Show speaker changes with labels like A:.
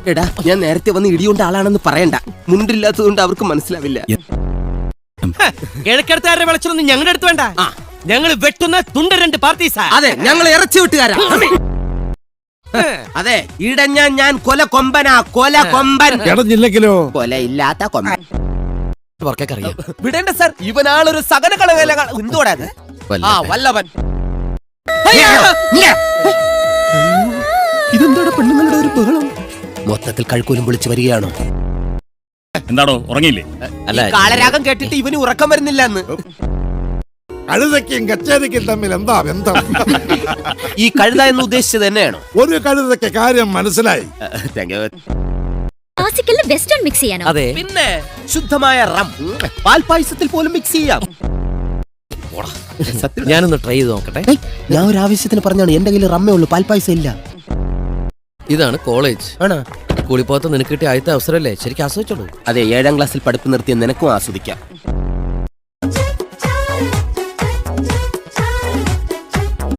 A: എടാ ഞാൻ നേരത്തെ വന്ന് ഇടിയുണ്ട ആളാണെന്ന് പറയണ്ട. മുണ്ടില്ലാത്തതുകൊണ്ട് അവർക്ക് മനസ്സിലാവില്ല.
B: കിഴക്കെടുത്തുകാരുടെ വിളിച്ചൊന്നും ഞങ്ങളുടെ അടുത്ത് വേണ്ട. ഞങ്ങൾ വെട്ടുന്ന തുണ്ട 2 പാർട്ടീസാ.
A: അതെ, ഞങ്ങൾ ഇറച്ചി വിട്ടുകാരാ. അതെ, ഇടഞ്ഞ ഞാൻ കൊല കൊമ്പനാ, കൊല കൊമ്പൻ.
C: ഇടഞ്ഞില്ലെങ്കിലോ
A: കൊല ഇല്ലാത്ത കൊമ്പൻ.
B: അറിയാം.
A: വിടേണ്ട സർ, ഇവനാളൊരു സകല കളവേല. എന്തുകൂടാ വല്ലവൻ. ഇതെന്താണ് പെണ്ണുങ്ങളുടെ ഒരു ബഹളം? മൊത്തത്തിൽ കഴുക്കൂലും വിളിച്ചു വരികയാണോ?
D: എന്താണോ ഉറങ്ങിയില്ലേ?
A: അല്ല, കാളരാഗം കേട്ടിട്ട് ഇവന് ഉറക്കം വരുന്നില്ല എന്ന്.
C: കഴുതയ്ക്കും കച്ചേരിക്കും തമ്മിൽ എന്താ ബന്ധം?
A: ഈ കഴുത എന്ന് ഉദ്ദേശിച്ചത് തന്നെയാണോ?
C: ഒരു കഴുതയ്ക്ക് കാര്യം മനസ്സിലായി.
E: ക്ലാസിക്കലിൽ വെസ്റ്റേൺ മിക്സ് ചെയ്യാനോ?
B: അതെ,
A: പിന്നെ ശുദ്ധമായ റം പാൽപായസത്തിൽ പോലും മിക്സ് ചെയ്യാം.
B: ഞാനൊന്ന് ട്രൈ ചെയ്ത് നോക്കട്ടെ.
A: ഞാൻ ഒരു ആവശ്യത്തിന് പറഞ്ഞാണ്. എന്റെ കയ്യിൽ റമ്മേ ഉള്ളൂ, പാൽപായസം ഇല്ല.
B: ഇതാണ് കോളേജ്.
A: ആണോ?
B: കൂളിപ്പോത്ത് നിനക്ക് കിട്ടിയ ആദ്യത്തെ അവസരമല്ലേ, ശരിക്കും ആസ്വദിച്ചോളൂ.
A: അതെ, 7ാം ക്ലാസ്സിൽ പഠിപ്പ് നിർത്തിയ നിനക്കും ആസ്വദിക്കാം.